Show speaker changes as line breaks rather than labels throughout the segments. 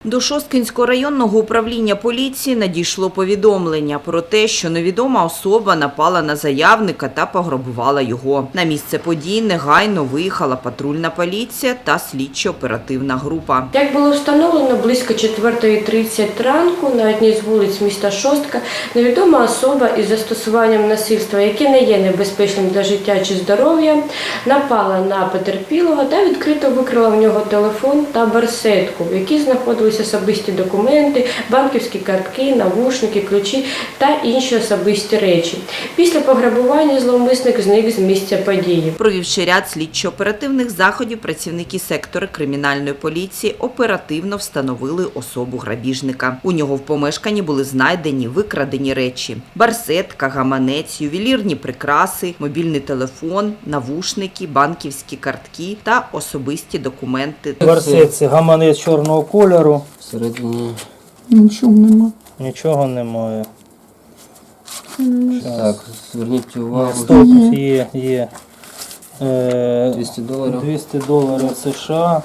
До Шосткинського районного управління поліції надійшло повідомлення про те, що невідома особа напала на заявника та пограбувала його. На місце подій негайно виїхала патрульна поліція та слідчо-оперативна група.
Як було встановлено, близько 4:30 ранку на одній з вулиць міста Шостка невідома особа із застосуванням насильства, яке не є небезпечним для життя чи здоров'я, напала на потерпілого та відкрито викрала в нього телефон та барсетку, в якій знаходилися особисті документи, банківські картки, навушники, ключі та інші особисті речі. Після пограбування зловмисник зник з місця події.
Провівши ряд слідчо-оперативних заходів, працівники сектору кримінальної поліції оперативно встановили особу грабіжника. У нього в помешканні були знайдені викрадені речі – барсетка, гаманець, ювелірні прикраси, мобільний телефон, навушники, банківські картки та особисті документи.
В барсетці гаманець чорного кольору.
Всередині
Нічого нема. Нічого немає.
так, зверніть увагу.
Стоп, є.
$200.
$200 США.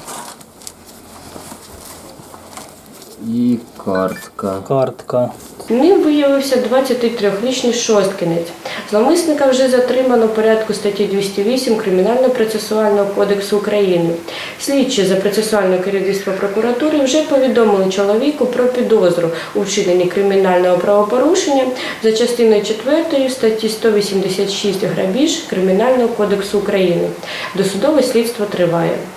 І картка.
Ним виявився 23-річний шосткинець. Зловмисника вже затримано в порядку статті 208 Кримінально-процесуального кодексу України. Слідчі за процесуальне керівництво прокуратури вже повідомили чоловіку про підозру у вчиненні кримінального правопорушення за частиною 4 статті 186 грабіж Кримінального кодексу України. Досудове слідство триває.